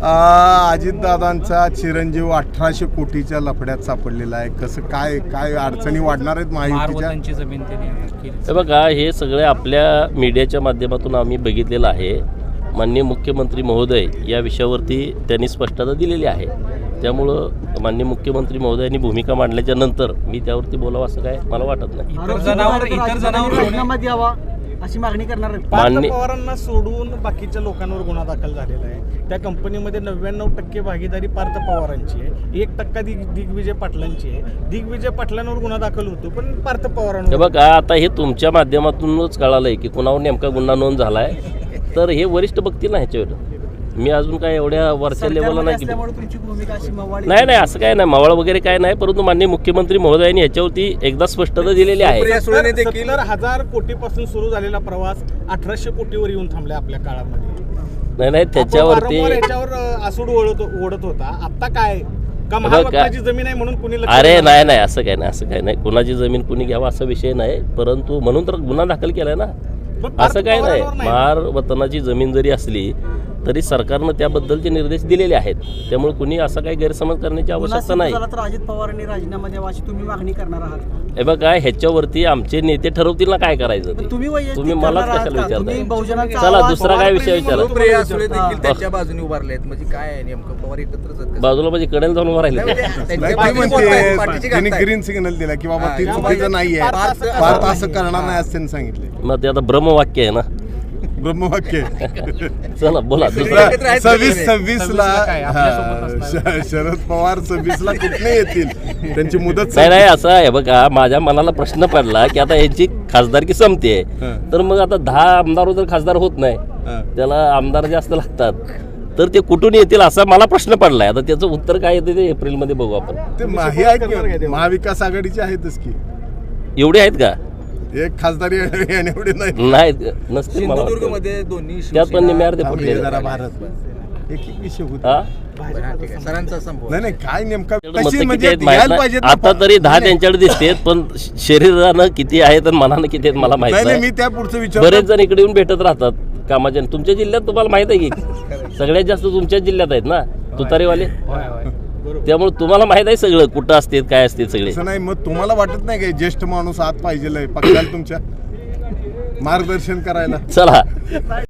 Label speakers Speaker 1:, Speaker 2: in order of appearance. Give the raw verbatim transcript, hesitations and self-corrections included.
Speaker 1: अजितदादांचा चिरंजीव अठराशे कोटीच्या लफड्यात सापडलेला आहे. कसं काय काय अडचणी वाढणार आहेत महायुतीच्या?
Speaker 2: जमीन
Speaker 3: हे बघा, हे सगळे आपल्या मीडियाच्या माध्यमातून आम्ही बघितलेलं आहे. माननीय मुख्यमंत्री महोदय या विषयावरती त्यांनी स्पष्टता दिलेली आहे. त्यामुळं माननीय मुख्यमंत्री महोदयांनी भूमिका मांडल्याच्या नंतर मी त्यावरती बोलावं असं काय मला वाटत नाही.
Speaker 2: इतर जनावर इतर जनावर
Speaker 4: यावा अशी मागणी करणार आहे.
Speaker 5: पार्थ पवारांना सोडून बाकीच्या लोकांवर गुन्हा दाखल झालेला आहे. त्या कंपनीमध्ये नव्याण्णव टक्के भागीदारी पार्थ पवारांची आहे, एक टक्का दिग दिग्विजय पाटलांची आहे. दिग्विजय पाटलांवर गुन्हा दाखल होतो पण पार्थ पवारांवर.
Speaker 3: बघा, आता हे तुमच्या माध्यमातूनच कळालंय की कुणावर नेमका गुन्हा नोंद झालाय, तर हे वरिष्ठ बघतील ना ह्याच्यावर. मी अजून काय एवढ्या वरच्या लेवलला नाही. नाही नाही असं काय नाही, मावळ वगैरे काय नाही, परंतु माननीय मुख्यमंत्री महोदयांनी ह्याच्यावरती एकदा स्पष्टता दिलेली आहे.
Speaker 5: सत्तर हजार कोटीपासून सुरू झालेला प्रवास अठराशे कोटीवर येऊन थांबला आपल्या काळामध्ये.
Speaker 3: नाही नाही त्याच्यावरती
Speaker 5: याच्यावर आसूड ओढत ओढत होता. आता काय का महाराष्ट्राची जमीन आहे म्हणून कुणी?
Speaker 3: अरे नाही नाही असं काय नाही, असं काय नाही. कुणाची जमीन कुणी घ्यावा असा विषय नाही, परंतु म्हणून तर गुन्हा दाखल केलाय ना. असं काय नाही. महार वतनाची जमीन जरी असली तरी सरकारनं त्याबद्दलचे निर्देश दिलेले आहेत. त्यामुळे कुणी असा काही गैरसमज करण्याची आवश्यकता नाही.
Speaker 4: अजित पवारांनी राजीनामा द्यावा अशी तुम्ही मागणी करणार आहात?
Speaker 3: हे बघा, ह्याच्यावरती आमचे नेते ठरवतील ना काय करायचं ते. तुम्ही मलाच कशाला विचारताय? चला दुसरा काय विषय विचारा.
Speaker 2: त्यांच्या बाजूने उभारले आहेत म्हणजे काय नेमकं पवार एकत्रच
Speaker 3: बाजूला म्हणजे कडेला जाऊन उभा राहिले.
Speaker 1: त्यांनी ग्रीन सिग्नल दिला की बाबा ती चुकीचं नाहीये, भारत असं करणार नाही असं त्यांनी सांगितले.
Speaker 3: मग ते आता ब्रह्मवाक्य आहे ना,
Speaker 1: ब्रह्मवाक्य.
Speaker 3: चला बोला.
Speaker 1: सव्वीस सव्वीस ला शरद पवार सव्वीस ला कुठे येतील, त्यांची मुदत
Speaker 3: नाही नाही असं आहे. बघा, माझ्या मनाला प्रश्न पडला की आता यांची खासदारकी संपते, तर मग आता दहा आमदार जर खासदार होत नाही, त्याला आमदार जास्त लागतात, तर ते कुठून येतील असा मला प्रश्न पडलाय. आता त्याचं उत्तर काय येते ते एप्रिल मध्ये बघू आपण.
Speaker 1: ते महाविकास आघाडीचे आहेतच की,
Speaker 3: एवढे आहेत का?
Speaker 1: एक खासदारी एवढे नाही
Speaker 3: नाही नसते.
Speaker 2: सिंधुदुर्गमध्ये दोन्ही
Speaker 3: त्यात पण निम्यावर ते फुटले.
Speaker 1: नाही काय नेमका
Speaker 3: आता तरी दहा त्यांच्याकडे दिसतेत, पण शरीरानं किती आहेत आणि मनानं किती आहेत मला माहिती नाही.
Speaker 1: मी त्या पुढचं विचार
Speaker 3: बरेच जण इकडे येऊन भेटत राहतात कामाच्या. तुमच्या जिल्ह्यात तुम्हाला माहित आहे की सगळ्यात जास्त तुमच्याच जिल्ह्यात आहेत ना तुतारीवाले, त्यामुळे तुम्हाला माहित आहे सगळं कुठं असते काय असते सगळे.
Speaker 1: नाही मग तुम्हाला वाटत नाही काय ज्येष्ठ माणूस आत पाहिजे पक्षाला तुमच्या मार्गदर्शन करायला?
Speaker 3: चला.